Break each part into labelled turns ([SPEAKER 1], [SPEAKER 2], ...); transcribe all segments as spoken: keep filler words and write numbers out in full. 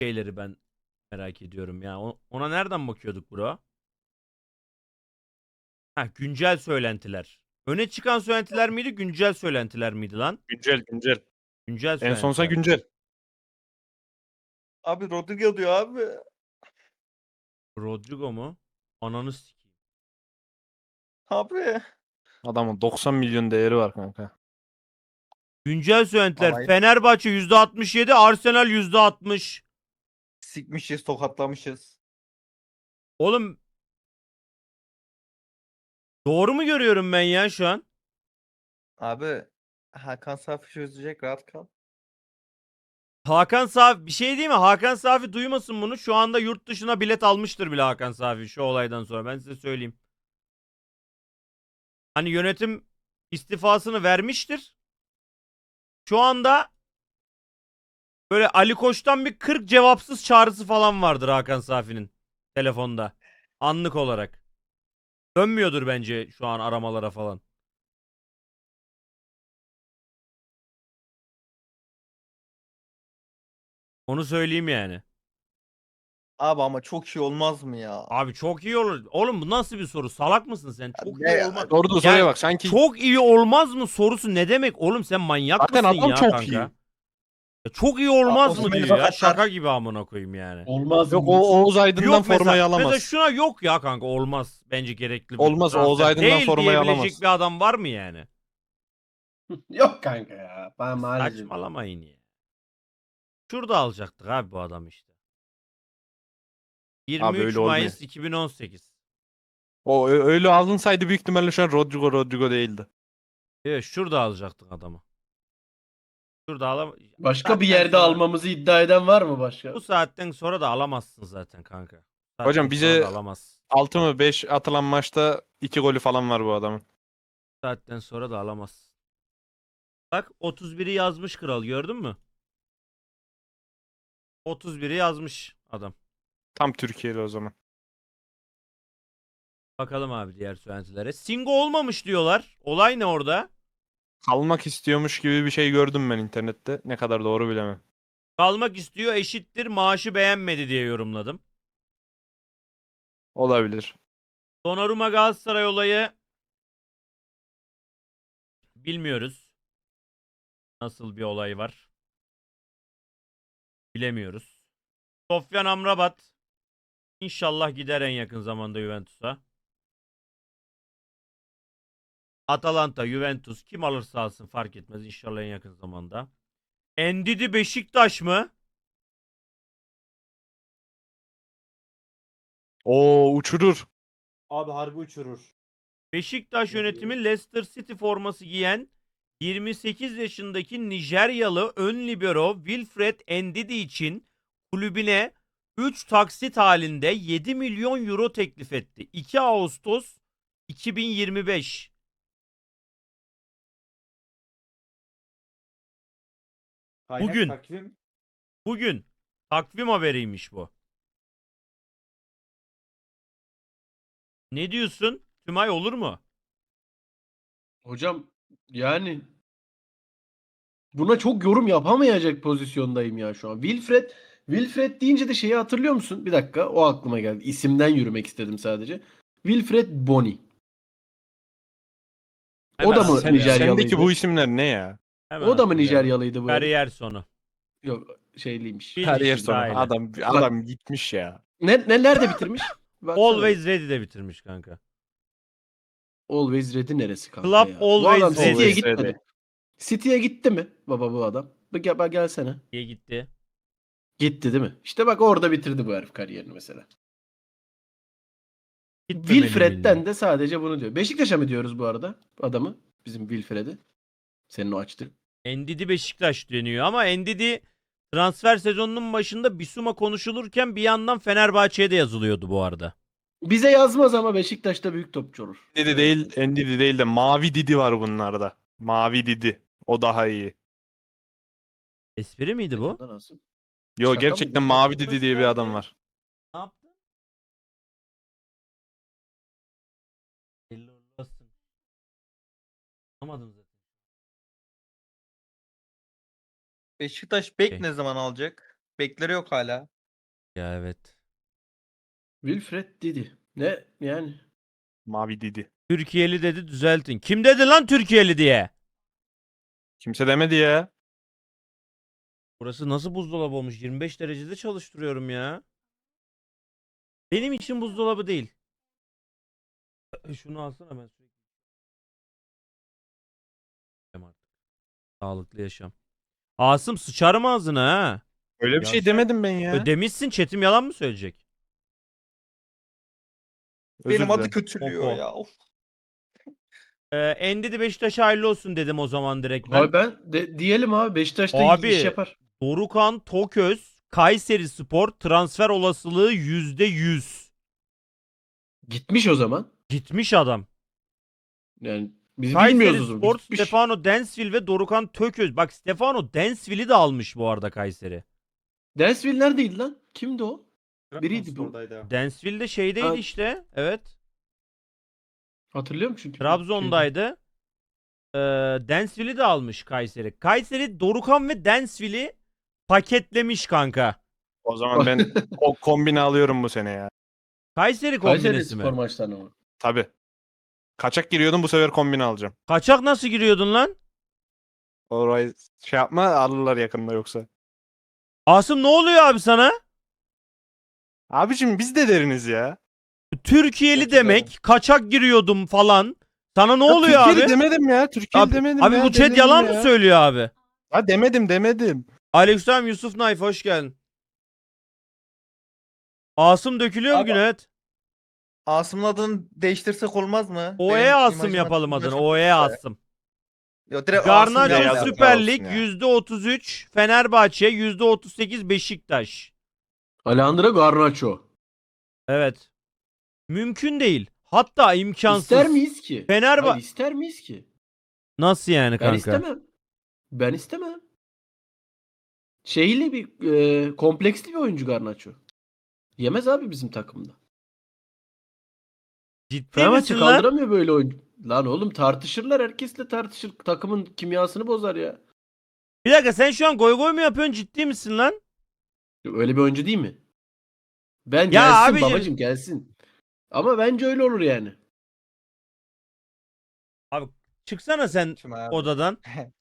[SPEAKER 1] şeyleri ben merak ediyorum ya. O- Ona nereden bakıyorduk bro? Ha, güncel söylentiler. Öne çıkan söylentiler miydi, güncel söylentiler miydi lan?
[SPEAKER 2] Güncel güncel.
[SPEAKER 1] Güncel
[SPEAKER 2] En sonsa
[SPEAKER 1] söylentiler.
[SPEAKER 2] güncel.
[SPEAKER 3] Abi Rodrigo diyor abi.
[SPEAKER 1] Rodrigo mu? Ananı sikeyim.
[SPEAKER 3] Abi.
[SPEAKER 2] Adamın doksan milyon değeri var kanka.
[SPEAKER 1] Güncel söylentiler.
[SPEAKER 3] Alay.
[SPEAKER 1] Fenerbahçe yüzde altmış yedi, Arsenal yüzde altmış.
[SPEAKER 3] Sikmişiz, tokatlamışız.
[SPEAKER 1] Oğlum doğru mu görüyorum ben ya şu an?
[SPEAKER 3] Abi Hakan Safi çözecek, rahat kal.
[SPEAKER 1] Hakan Safi bir şey değil mi? Hakan Safi duymasın bunu. Şu anda yurt dışına bilet almıştır bile Hakan Safi şu olaydan sonra. Ben size söyleyeyim. Hani yönetim istifasını vermiştir. Şu anda böyle Ali Koç'tan bir kırk cevapsız çağrısı falan vardır Hakan Safi'nin telefonda. Anlık olarak. Dönmüyordur bence şu an aramalara falan. Onu söyleyeyim yani.
[SPEAKER 3] Abi ama çok iyi olmaz mı ya?
[SPEAKER 1] Abi çok iyi olur. Oğlum bu nasıl bir soru? Salak mısın sen? Çok
[SPEAKER 3] Ne
[SPEAKER 1] iyi
[SPEAKER 3] ya?
[SPEAKER 1] olmaz.
[SPEAKER 2] Orada soruya
[SPEAKER 1] Yani
[SPEAKER 2] bak sanki
[SPEAKER 1] çok iyi olmaz mı sorusu ne demek? Oğlum sen manyak
[SPEAKER 2] zaten
[SPEAKER 1] mısın
[SPEAKER 2] adam
[SPEAKER 1] ya
[SPEAKER 2] çok
[SPEAKER 1] kanka?
[SPEAKER 2] iyi.
[SPEAKER 1] Ya çok iyi olmaz mı
[SPEAKER 3] Osimhen'i
[SPEAKER 1] diyor ya.
[SPEAKER 3] sakatlar.
[SPEAKER 1] Şaka gibi amına koyayım yani.
[SPEAKER 4] Olmaz
[SPEAKER 2] Yok
[SPEAKER 4] mı?
[SPEAKER 2] o Oğuz Aydın'dan
[SPEAKER 1] Yok
[SPEAKER 2] formayı
[SPEAKER 1] mesela,
[SPEAKER 2] alamaz.
[SPEAKER 1] mesela şuna yok ya kanka olmaz. Bence gerekli bir
[SPEAKER 2] Olmaz,
[SPEAKER 1] transfer.
[SPEAKER 2] Oğuz Aydın'dan
[SPEAKER 1] Değil
[SPEAKER 2] formayı
[SPEAKER 1] diyebilecek
[SPEAKER 2] alamaz.
[SPEAKER 1] bir adam var mı yani?
[SPEAKER 4] Yok kanka ya. Ben maalesef.
[SPEAKER 1] Saçmalamayın ya. Şurada alacaktık abi bu adam işte.
[SPEAKER 2] Abi
[SPEAKER 1] yirmi üç
[SPEAKER 2] öyle olmuyor.
[SPEAKER 1] Mayıs iki bin on sekiz.
[SPEAKER 2] O ö- öyle alınsaydı büyük ihtimalle şu an Rodrigo Rodrigo değildi.
[SPEAKER 1] Evet şurada alacaktık adamı. Şurada alam.
[SPEAKER 4] Başka bir
[SPEAKER 1] Zaten
[SPEAKER 4] yerde
[SPEAKER 1] sonra-
[SPEAKER 4] almamızı iddia eden var mı başka?
[SPEAKER 1] Bu saatten sonra da alamazsın zaten kanka. Bu saatten
[SPEAKER 2] Hocam
[SPEAKER 1] sonra
[SPEAKER 2] bize
[SPEAKER 1] da alamazsın.
[SPEAKER 2] altı mı beş atılan maçta iki golü falan var bu adamın.
[SPEAKER 1] Bu saatten sonra da alamazsın. Bak otuz biri yazmış kral gördün mü? otuz biri yazmış adam.
[SPEAKER 2] Tam Türkiye'li o zaman.
[SPEAKER 1] Bakalım abi diğer söylentilere. Singo olmamış diyorlar. Olay ne orada?
[SPEAKER 2] Kalmak istiyormuş gibi bir şey gördüm ben internette. Ne kadar doğru bilemem.
[SPEAKER 1] Kalmak istiyor eşittir maaşı beğenmedi diye yorumladım.
[SPEAKER 2] Olabilir.
[SPEAKER 1] Donnarumma Galatasaray olayı bilmiyoruz. Nasıl bir olay var? Bilemiyoruz. Sofyan Amrabat inşallah gider en yakın zamanda Juventus'a. Atalanta, Juventus kim alırsa alsın fark etmez inşallah en yakın zamanda. Endidi Beşiktaş mı?
[SPEAKER 2] Oo uçurur.
[SPEAKER 5] Abi harbi uçurur.
[SPEAKER 1] Beşiktaş
[SPEAKER 5] Ne
[SPEAKER 1] yönetimi
[SPEAKER 5] diyor?
[SPEAKER 1] Leicester City forması giyen yirmi sekiz yaşındaki Nijeryalı ön libero Wilfred Ndidi için kulübüne üç taksit halinde yedi milyon euro teklif etti. iki Ağustos iki bin yirmi beş.
[SPEAKER 5] Kaynak
[SPEAKER 1] Bugün.
[SPEAKER 5] takvim.
[SPEAKER 1] Bugün takvim haberiymiş bu. Ne diyorsun? Tümay olur mu?
[SPEAKER 4] Hocam yani buna çok yorum yapamayacak pozisyondayım ya şu an. Wilfred Wilfred deyince de şeyi hatırlıyor musun? Bir dakika o aklıma geldi. İsimden yürümek istedim sadece. Wilfred Bony. O
[SPEAKER 1] Hemen
[SPEAKER 4] da mı
[SPEAKER 2] Sen,
[SPEAKER 4] Nijeryalıydı?
[SPEAKER 2] sendeki bu isimler ne ya?
[SPEAKER 1] Hemen
[SPEAKER 4] O da mı
[SPEAKER 1] hatırlayalım.
[SPEAKER 4] Nijeryalıydı bu herif?
[SPEAKER 1] Kariyer sonu.
[SPEAKER 4] Yok şeyliymiş.
[SPEAKER 1] Bil
[SPEAKER 2] Kariyer
[SPEAKER 1] işin
[SPEAKER 2] sonu.
[SPEAKER 1] aile.
[SPEAKER 2] Adam adam gitmiş ya.
[SPEAKER 4] Ne, ne nerede bitirmiş? Baksana.
[SPEAKER 1] Always Ready'de bitirmiş kanka.
[SPEAKER 4] Always Ready neresi kanka
[SPEAKER 1] Club
[SPEAKER 4] ya? Bu
[SPEAKER 1] Always
[SPEAKER 4] adam
[SPEAKER 1] Ready.
[SPEAKER 4] City'ye
[SPEAKER 2] Always
[SPEAKER 4] gitmedi.
[SPEAKER 2] Ready.
[SPEAKER 4] City'ye gitti mi baba bu adam? Bak gel, bak gelsene.
[SPEAKER 1] diye gitti.
[SPEAKER 4] Gitti değil mi? İşte bak orada bitirdi bu herif kariyerini mesela.
[SPEAKER 1] Gitmemeli
[SPEAKER 4] Wilfred'den
[SPEAKER 1] miydi?
[SPEAKER 4] de sadece bunu diyor. Beşiktaş'a mı diyoruz bu arada adamı? Bizim Wilfred'i. Senin o açtı.
[SPEAKER 1] Ndidi Beşiktaş deniyor ama Ndidi transfer sezonunun başında Bisuma konuşulurken bir yandan Fenerbahçe'ye de yazılıyordu bu arada.
[SPEAKER 4] Bize yazmaz ama Beşiktaş'ta büyük topçu olur.
[SPEAKER 2] Didi değil, Endidi değil de Mavi Didi var bunlarda. Mavi Didi. O daha iyi.
[SPEAKER 1] Espri miydi bu?
[SPEAKER 4] Şaka nasıl?
[SPEAKER 2] Yo
[SPEAKER 4] Şaka mı
[SPEAKER 2] gerçekten
[SPEAKER 4] bu?
[SPEAKER 2] Mavi Didi diye bir adam var.
[SPEAKER 1] Ne yaptın? Hayırlı uğurlu olsun. Anlamadım zaten.
[SPEAKER 3] Beşiktaş bek
[SPEAKER 1] Okey.
[SPEAKER 3] ne zaman alacak? Bekleri yok hala.
[SPEAKER 1] Ya evet.
[SPEAKER 4] Wilfred Didi. Ne yani?
[SPEAKER 2] Mavi Didi.
[SPEAKER 1] Türkiye'li dedi düzeltin. Kim dedi lan Türkiye'li diye?
[SPEAKER 2] Kimse demedi ya.
[SPEAKER 1] Burası nasıl buzdolabı olmuş? yirmi beş derecede çalıştırıyorum ya. Benim için buzdolabı değil. Şunu alsana ben sürekli. Artık. Sağlıklı yaşam. Asım sıçarım ağzına ha.
[SPEAKER 2] Öyle bir şey
[SPEAKER 1] Yavşak.
[SPEAKER 2] demedim ben ya.
[SPEAKER 1] Ödemişsin Çetim yalan mı söyleyecek?
[SPEAKER 2] Özür
[SPEAKER 3] Benim adı
[SPEAKER 2] dilerim.
[SPEAKER 3] kötülüyor
[SPEAKER 1] Oho.
[SPEAKER 3] ya. Of.
[SPEAKER 1] Ee, Endidi Beşiktaş'a hayırlı olsun dedim o zaman direkt ben.
[SPEAKER 4] Abi ben de, diyelim abi Beşiktaş'ta
[SPEAKER 1] Abi,
[SPEAKER 4] iş yapar.
[SPEAKER 1] Dorukhan Toköz Kayseri Spor transfer olasılığı yüzde yüz.
[SPEAKER 4] Gitmiş o zaman.
[SPEAKER 1] Gitmiş adam.
[SPEAKER 4] Yani biz
[SPEAKER 1] Kayseri
[SPEAKER 4] bilmiyoruz o zaman.
[SPEAKER 1] Spor,
[SPEAKER 4] Gitmiş.
[SPEAKER 1] Stefano Densville ve Dorukhan Tököz. Bak Stefano Densville'i de almış bu arada Kayseri.
[SPEAKER 4] Dansville neredeydi lan? Kimdi o? Biriydi bu.
[SPEAKER 5] Trabzonspor'daydı.
[SPEAKER 1] Densville de şeydeydi
[SPEAKER 4] Ha.
[SPEAKER 1] işte. Evet.
[SPEAKER 4] Hatırlıyorum çünkü.
[SPEAKER 1] Trabzon'daydı. Ee, Densville'i de almış Kayseri. Kayseri Dorukhan ve Densville'i paketlemiş kanka.
[SPEAKER 2] O zaman ben o kombini alıyorum bu sene ya.
[SPEAKER 1] Kayseri
[SPEAKER 4] Kayseri
[SPEAKER 1] kombinesi
[SPEAKER 4] Spor
[SPEAKER 1] mi?
[SPEAKER 4] maçlarına mı?
[SPEAKER 2] Tabii. Kaçak giriyordum, bu sefer kombini alacağım.
[SPEAKER 1] Kaçak nasıl giriyordun lan?
[SPEAKER 2] Orayı şey yapma, alırlar yakında yoksa.
[SPEAKER 1] Asım ne oluyor abi sana?
[SPEAKER 2] Abicim biz de deriniz ya.
[SPEAKER 1] Türkiye'li
[SPEAKER 3] Çok güzel.
[SPEAKER 1] demek, kaçak giriyordum falan. Sana ne
[SPEAKER 2] Ya
[SPEAKER 1] oluyor
[SPEAKER 2] Türkiye'li
[SPEAKER 1] abi?
[SPEAKER 2] demedim ya. Türkiye'li
[SPEAKER 1] Abi,
[SPEAKER 2] demedim
[SPEAKER 1] abi
[SPEAKER 2] ya.
[SPEAKER 1] bu chat
[SPEAKER 2] demedim
[SPEAKER 1] yalan
[SPEAKER 2] ya.
[SPEAKER 1] mı söylüyor abi?
[SPEAKER 2] Ha demedim demedim.
[SPEAKER 1] Aleykümselam Yusuf Naif hoş geldin. Asım dökülüyor
[SPEAKER 3] Abi-
[SPEAKER 1] bugün evet.
[SPEAKER 3] Asım'ın adını değiştirsek olmaz mı?
[SPEAKER 1] O E
[SPEAKER 3] Benim
[SPEAKER 1] Asım
[SPEAKER 3] imajım
[SPEAKER 1] yapalım
[SPEAKER 3] hakkında
[SPEAKER 1] adını.
[SPEAKER 3] çok
[SPEAKER 1] O E
[SPEAKER 3] kötü.
[SPEAKER 1] Asım.
[SPEAKER 3] Yo, direkt Asım
[SPEAKER 1] Garnacho
[SPEAKER 2] yazdık.
[SPEAKER 3] yazdı.
[SPEAKER 1] Süper
[SPEAKER 2] olsun
[SPEAKER 1] Lig
[SPEAKER 2] ya.
[SPEAKER 1] yüzde otuz üç, Fenerbahçe yüzde otuz sekiz Beşiktaş.
[SPEAKER 4] Alejandro Garnacho.
[SPEAKER 1] Evet. Mümkün değil. Hatta imkansız.
[SPEAKER 4] İster miyiz ki?
[SPEAKER 1] Fenerbahçe
[SPEAKER 4] Hayır, ister miyiz ki?
[SPEAKER 1] nasıl yani
[SPEAKER 4] Ben
[SPEAKER 1] kanka?
[SPEAKER 4] istemem. Ben istemem. Şeyle bir e, kompleksli bir oyuncu Garnacho. Yemez abi bizim takımda.
[SPEAKER 1] Ciddi
[SPEAKER 4] Fenerbahçe
[SPEAKER 1] misin lan?
[SPEAKER 4] kaldıramıyor böyle oyuncu. Lan oğlum tartışırlar. Herkesle tartışır. Takımın kimyasını bozar ya.
[SPEAKER 1] Bir dakika sen şu an goy goy mu yapıyorsun? Ciddi misin lan?
[SPEAKER 4] Öyle bir oyuncu değil mi? Ben
[SPEAKER 1] Ya
[SPEAKER 4] gelsin
[SPEAKER 1] abicim-
[SPEAKER 4] babacım gelsin. Ama bence öyle olur yani.
[SPEAKER 1] Çıksana sen
[SPEAKER 3] Şimdi abi.
[SPEAKER 1] odadan.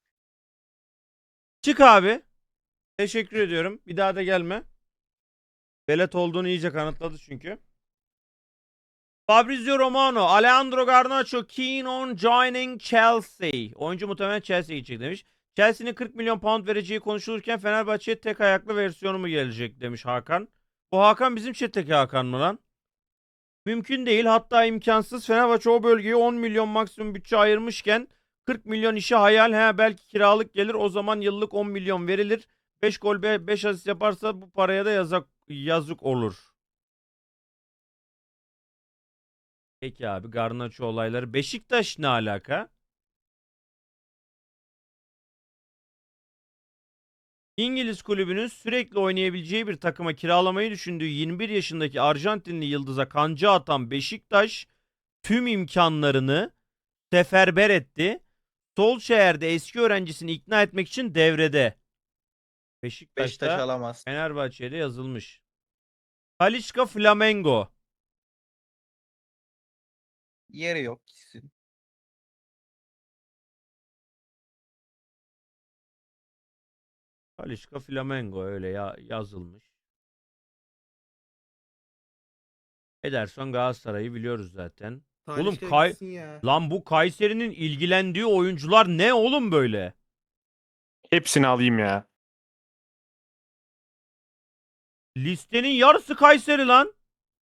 [SPEAKER 1] Çık abi. Teşekkür ediyorum. Bir daha da gelme. Velet olduğunu iyice kanıtladı çünkü. Fabrizio Romano, Alejandro Garnacho keen on joining Chelsea. Oyuncu muhtemelen Chelsea'ye gidecek demiş. Chelsea'nin kırk milyon pound vereceği konuşulurken Fenerbahçe'ye tek ayaklı versiyonu mu gelecek demiş Hakan. Bu Hakan bizim chat'teki Hakan mı lan? Mümkün değil, hatta imkansız. Fenerbahçe o bölgeye on milyon maksimum bütçe ayırmışken kırk milyon işe hayal. He belki kiralık gelir, o zaman yıllık on milyon verilir. beş gol beş asist yaparsa bu paraya da yazık, yazık olur. Peki abi Garnacho olayları. Beşiktaş ne alaka? İngiliz kulübünün sürekli oynayabileceği bir takıma kiralamayı düşündüğü yirmi bir yaşındaki Arjantinli yıldıza kanca atan Beşiktaş tüm imkanlarını seferber etti. Solskjaer'de eski öğrencisini ikna etmek için devrede.
[SPEAKER 3] Beşiktaş
[SPEAKER 1] Beşiktaş'ta
[SPEAKER 3] alamaz.
[SPEAKER 1] Fenerbahçe'de yazılmış. Talisca Flamengo.
[SPEAKER 3] Yeri yok gitsin.
[SPEAKER 1] Talisca Flamengo öyle ya yazılmış. Ederson Galatasaray'ı biliyoruz zaten. Oğlum Kay lan bu Kayseri'nin ilgilendiği oyuncular ne oğlum böyle?
[SPEAKER 2] Hepsini alayım ya.
[SPEAKER 1] Listenin yarısı Kayseri lan.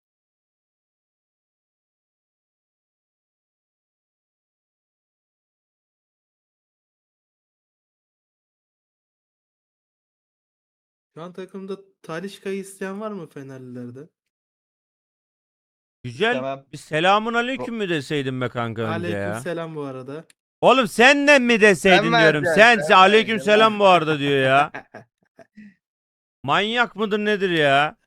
[SPEAKER 6] Şu an takımda Talisca'yı isteyen var mı Fenerlilerde?
[SPEAKER 1] Güzel.
[SPEAKER 3] İstemem.
[SPEAKER 1] Bir selamun aleyküm mü deseydim be kanka önce ya.
[SPEAKER 6] Aleykümselam bu arada.
[SPEAKER 1] Oğlum senden mi deseydin
[SPEAKER 3] Sen
[SPEAKER 1] diyorum.
[SPEAKER 3] vereceksin,
[SPEAKER 1] Sen,
[SPEAKER 3] sen
[SPEAKER 1] sen aleyküm
[SPEAKER 3] vereceksin.
[SPEAKER 1] selam bu arada diyor ya. Manyak mıdır nedir ya?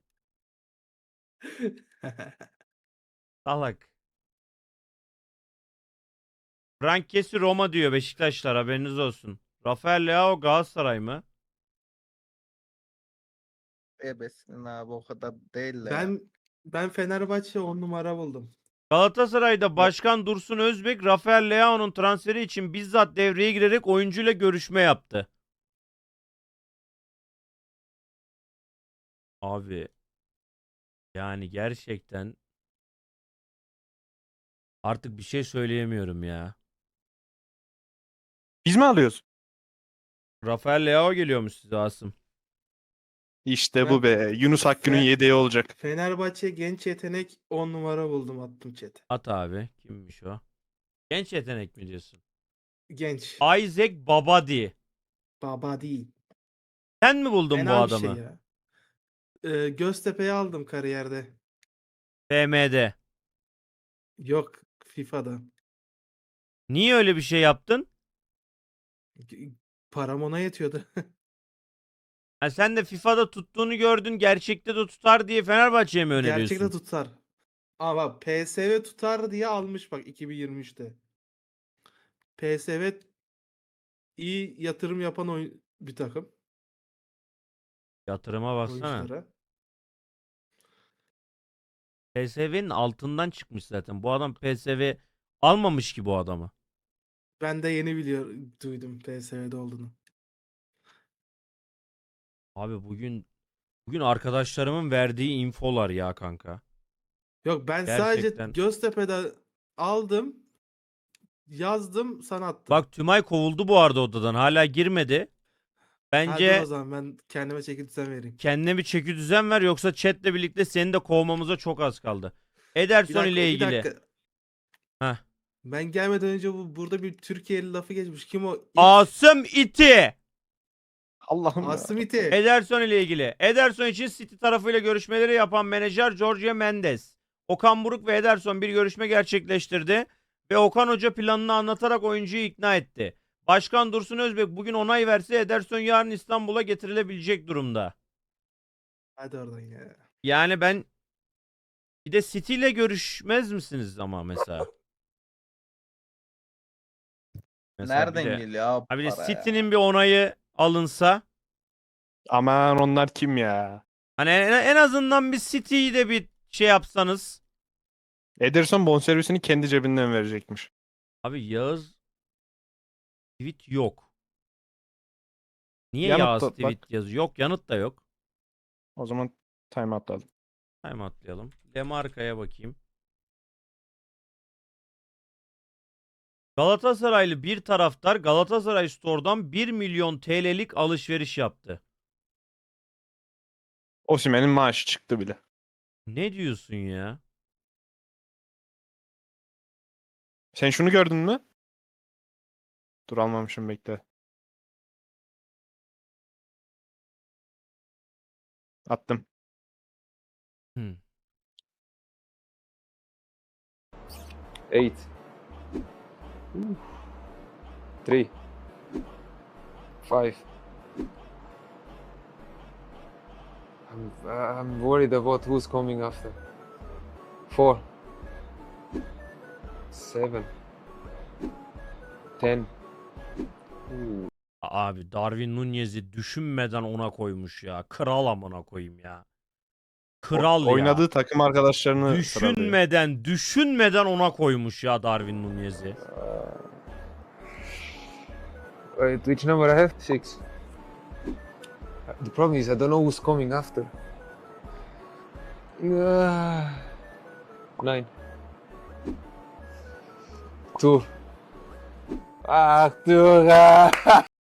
[SPEAKER 1] Salak. Frank Kessi Roma diyor Beşiktaşlar, haberiniz olsun. Rafael Leao Galatasaray mı?
[SPEAKER 3] ebesinin abi o kadar değil de ya.
[SPEAKER 6] Ben ben Fenerbahçe on numara buldum.
[SPEAKER 1] Galatasaray'da Başkan Dursun Özbek, Rafael Leao'nun transferi için bizzat devreye girerek oyuncuyla görüşme yaptı. Abi yani gerçekten artık bir şey söyleyemiyorum ya.
[SPEAKER 2] Biz mi alıyoruz?
[SPEAKER 1] Rafael Leao geliyormuş size Asım.
[SPEAKER 2] İşte
[SPEAKER 6] Ben-
[SPEAKER 2] bu be. Yunus Akgün'ün
[SPEAKER 6] Fe-
[SPEAKER 2] yedeği olacak.
[SPEAKER 6] Fenerbahçe genç yetenek on numara buldum, attım chat'e.
[SPEAKER 1] At abi. Kimmiş o? Genç yetenek mi diyorsun?
[SPEAKER 6] Genç.
[SPEAKER 1] Isaac Babadi.
[SPEAKER 6] Baba değil.
[SPEAKER 1] Sen mi buldun bu
[SPEAKER 6] Fena bir
[SPEAKER 1] adamı?
[SPEAKER 6] şey ya. Ee, Göztepe'yi aldım kariyerde.
[SPEAKER 1] F M'de.
[SPEAKER 6] Yok, FIFA'da.
[SPEAKER 1] Niye öyle bir şey yaptın?
[SPEAKER 6] G- Param ona yetiyordu.
[SPEAKER 1] Ha, sen de FIFA'da tuttuğunu gördün, gerçekte de tutar diye Fenerbahçe'ye mi öneriyorsun?
[SPEAKER 6] Gerçekte tutar. Ama bak, P S V tutar diye almış bak iki bin yirmi üçte. P S V iyi yatırım yapan oyun bir takım
[SPEAKER 1] Yatırıma baksana.
[SPEAKER 6] oyunculara.
[SPEAKER 1] P S V'nin altından çıkmış zaten. Bu adam P S V almamış ki bu adamı.
[SPEAKER 6] Ben de yeni biliyor duydum P S V'de olduğunu.
[SPEAKER 1] Abi bugün bugün arkadaşlarımın verdiği infolar ya kanka.
[SPEAKER 6] Yok, ben
[SPEAKER 1] Gerçekten.
[SPEAKER 6] sadece Göztepe'de aldım, yazdım, sana attım.
[SPEAKER 1] Bak Tümay kovuldu bu arada odadan. Hala girmedi.
[SPEAKER 6] Ha, dur
[SPEAKER 1] Bence
[SPEAKER 6] o zaman ben kendime çeki düzen vereyim.
[SPEAKER 1] kendine bir çeki düzen ver, yoksa chatle birlikte seni de kovmamıza çok az kaldı.
[SPEAKER 6] Bir
[SPEAKER 1] Ederson
[SPEAKER 6] dakika,
[SPEAKER 1] ile
[SPEAKER 6] bir
[SPEAKER 1] ilgili.
[SPEAKER 6] dakika.
[SPEAKER 1] Heh.
[SPEAKER 6] Ben gelmeden önce bu burada bir Türkiye'li lafı geçmiş. Kim o? İlk-
[SPEAKER 1] Asım iti.
[SPEAKER 2] Allah'ım ya.
[SPEAKER 6] Asımiti.
[SPEAKER 1] Ederson ile ilgili. Ederson için City tarafıyla görüşmeleri yapan menajer Jorge Mendes, Okan Buruk ve Ederson bir görüşme gerçekleştirdi ve Okan Hoca planını anlatarak oyuncuyu ikna etti. Başkan Dursun Özbek bugün onay verse Ederson yarın İstanbul'a getirilebilecek durumda.
[SPEAKER 6] Hadi oradan ya.
[SPEAKER 1] Yani ben bir de City ile görüşmez misiniz ama mesela? Mesela bir
[SPEAKER 3] Nereden
[SPEAKER 1] de-
[SPEAKER 3] geliyor abi
[SPEAKER 1] Ha bir de
[SPEAKER 3] para ya?
[SPEAKER 1] City'nin bir onayı alınsa,
[SPEAKER 2] Aman onlar kim ya?
[SPEAKER 1] hani en, en azından bir City'yi de bir şey yapsanız.
[SPEAKER 2] Ederson bonservisini kendi cebinden verecekmiş.
[SPEAKER 1] Abi Yağız tweet yok. Niye
[SPEAKER 2] Yanıt
[SPEAKER 1] Yağız
[SPEAKER 2] da-
[SPEAKER 1] tweet
[SPEAKER 2] bak.
[SPEAKER 1] yazıyor? Yok, yanıt da yok.
[SPEAKER 2] O zaman time atladım.
[SPEAKER 1] Hemen atlayalım. Demarka'ya bakayım. Galatasaraylı bir taraftar Galatasaray Store'dan bir milyon T L'lik alışveriş yaptı.
[SPEAKER 2] Osimhen'in maaşı çıktı bile.
[SPEAKER 1] Ne diyorsun ya?
[SPEAKER 2] Sen şunu gördün mü? Dur almamışım, bekle. Attım.
[SPEAKER 1] Hmm.
[SPEAKER 7] Eight. Three. Five. I'm, I'm worried about who's coming after. Four. Seven. Ten. Ooh.
[SPEAKER 1] Abi Darwin Nunez'i düşünmeden ona koymuş ya. Kral amına koyayım ya. Kral ya.
[SPEAKER 2] Oynadığı takım arkadaşlarını sıralıyor.
[SPEAKER 1] Düşünmeden, düşünmeden ona koymuş ya Darwin Nunez'i.
[SPEAKER 7] Wait, which number I have? Six. The problem is I don't know who's coming after. Ah. Nine. Two. Ah, two. Ah.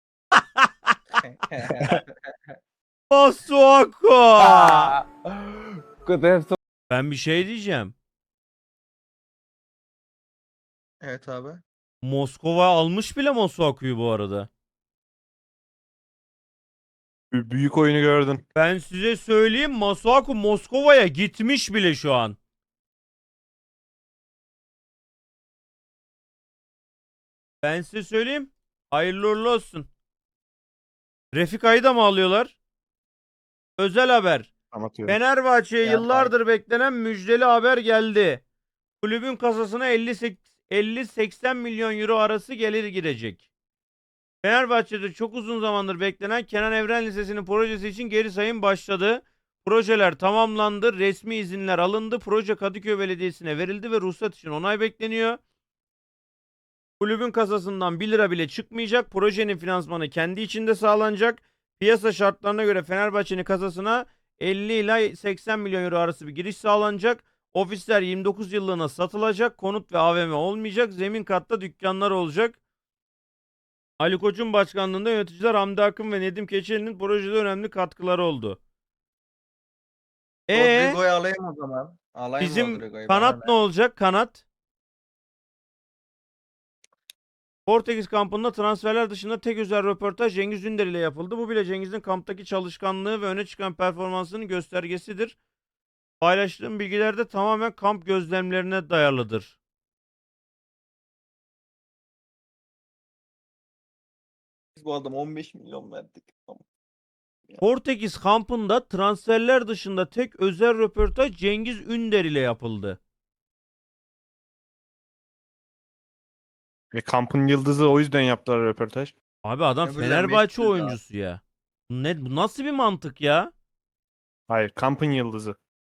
[SPEAKER 1] Masuako.
[SPEAKER 7] Could have thought.
[SPEAKER 1] Ben bir şey diyeceğim.
[SPEAKER 3] Evet abi.
[SPEAKER 1] Moskova almış bile Masuaku'yu bu arada.
[SPEAKER 2] B- Büyük oyunu gördün.
[SPEAKER 1] Ben size söyleyeyim, Masuaku Moskova'ya gitmiş bile şu an. Ben size söyleyeyim. Hayırlı uğurlu olsun. Refika'yı da mı alıyorlar? Özel haber.
[SPEAKER 2] Anlatıyorum.
[SPEAKER 1] Fenerbahçe'ye
[SPEAKER 3] Ya,
[SPEAKER 1] yıllardır beklenen müjdeli haber geldi. Kulübün kasasına elli seksen milyon euro arası gelir girecek. Fenerbahçe'de çok uzun zamandır beklenen Kenan Evren Lisesi'nin projesi için geri sayım başladı. Projeler tamamlandı. Resmi izinler alındı. Proje Kadıköy Belediyesi'ne verildi ve ruhsat için onay bekleniyor. Kulübün kasasından bir lira bile çıkmayacak. Projenin finansmanı kendi içinde sağlanacak. Piyasa şartlarına göre Fenerbahçe'nin kasasına elli ila seksen milyon euro arası bir giriş sağlanacak. Ofisler yirmi dokuz yıllığına satılacak. Konut ve A V M olmayacak. Zemin katta dükkanlar olacak. Ali Koç'un başkanlığında yöneticiler Hamdi Akın ve Nedim Keçeli'nin projede önemli katkıları oldu. E
[SPEAKER 3] Rodrigo'yu alayım o zaman. Alayım
[SPEAKER 1] bizim
[SPEAKER 3] Rodrigo'yu. bana
[SPEAKER 1] kanat
[SPEAKER 3] ne?
[SPEAKER 1] ne olacak? Kanat. Portekiz kampında transferler dışında tek özel röportaj Cengiz Ünder ile yapıldı. Bu bile Cengiz'in kamptaki çalışkanlığı ve öne çıkan performansının göstergesidir. Paylaştığım bilgiler de tamamen kamp gözlemlerine dayalıdır.
[SPEAKER 3] Biz bu adama on beş milyon verdik. Tamam.
[SPEAKER 1] Portekiz kampında transferler dışında tek özel röportaj Cengiz Ünder ile yapıldı.
[SPEAKER 2] Ve kampın yıldızı o yüzden yaptılar röportaj.
[SPEAKER 1] Abi adam
[SPEAKER 3] Öbürler
[SPEAKER 1] Fenerbahçe
[SPEAKER 3] meşgul daha.
[SPEAKER 1] oyuncusu ya. Ne, bu nasıl bir mantık ya?
[SPEAKER 2] Hayır, kampın yıldızı.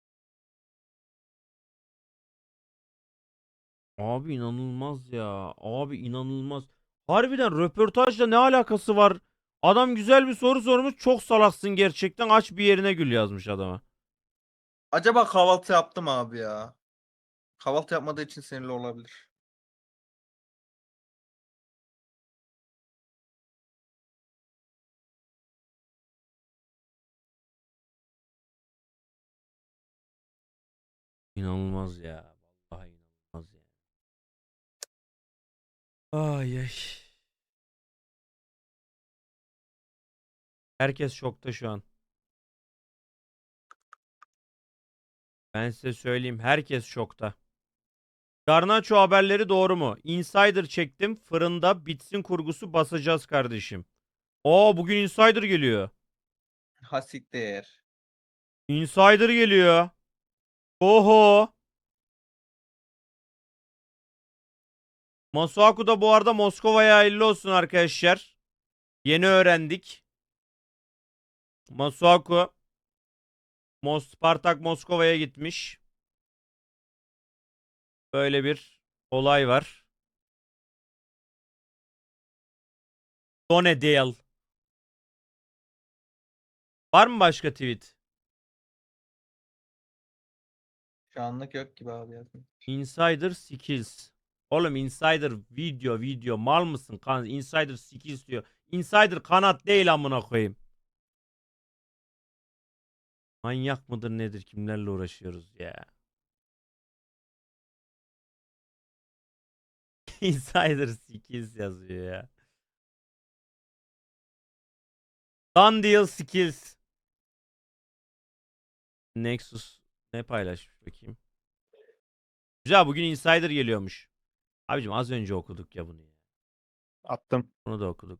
[SPEAKER 1] Abi inanılmaz ya. Abi inanılmaz. Harbiden röportajla ne alakası var? Adam güzel bir soru sormuş. Çok salaksın gerçekten. Aç bir yerine gül yazmış adama.
[SPEAKER 3] Acaba kahvaltı yaptım abi ya. Kahvaltı yapmadığı için sinirli olabilir.
[SPEAKER 1] İnanılmaz ya. Vallahi inanılmaz ya. Ay ay. Herkes şokta şu an. Ben size söyleyeyim. Herkes şokta. Garnaço haberleri doğru mu? Insider çektim. Fırında bitsin kurgusu basacağız kardeşim. Oo bugün Insider geliyor.
[SPEAKER 3] Hasiktir.
[SPEAKER 1] Insider geliyor. Oho. Masuaku da bu arada Moskova'ya hayırlı olsun arkadaşlar. Yeni öğrendik. Masuaku Mos Spartak Moskova'ya gitmiş. Böyle bir olay var. Donedale. Var mı başka tweet?
[SPEAKER 3] Şu anlık yok gibi abi yazın.
[SPEAKER 1] Insider Skills. Oğlum Insider video video mal mısın? Kan Insider Skills diyor. Insider kanat değil amına koyayım. Manyak mıdır nedir? Kimlerle uğraşıyoruz ya? Insider Skills yazıyor ya. Done deal skills. Nexus ne paylaşmış bakayım. Güzel bugün Insider geliyormuş. Abicim az önce okuduk ya bunu ya.
[SPEAKER 2] Attım.
[SPEAKER 1] Bunu da okuduk.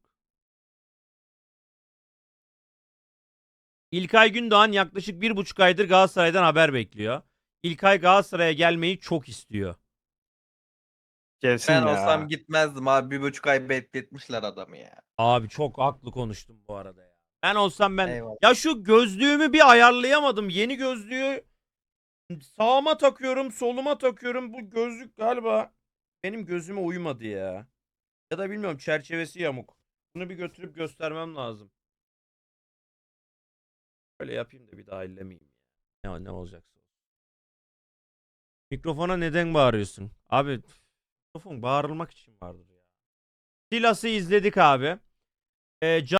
[SPEAKER 1] İlkay Gündoğan yaklaşık bir buçuk aydır Galatasaray'dan haber bekliyor. İlkay Galatasaray'a gelmeyi çok istiyor.
[SPEAKER 2] Gelsin
[SPEAKER 3] Ben
[SPEAKER 2] ya.
[SPEAKER 3] olsam gitmezdim abi. Bir buçuk ay bekletmişler adamı ya.
[SPEAKER 1] Abi çok haklı konuştum bu arada ya. Ben olsam ben
[SPEAKER 3] Eyvallah.
[SPEAKER 1] ya şu gözlüğümü bir ayarlayamadım. Yeni gözlüğü sağıma takıyorum, soluma takıyorum. Bu gözlük galiba benim gözüme uymadı ya. Ya da bilmiyorum çerçevesi yamuk. Bunu bir götürüp göstermem lazım. Böyle yapayım da bir daha ellemeyeyim ya. Ne, ne olacaksa. Mikrofona neden bağırıyorsun? Abi mikrofon bağırılmak için vardır ya. Silas'ı izledik abi. Ee,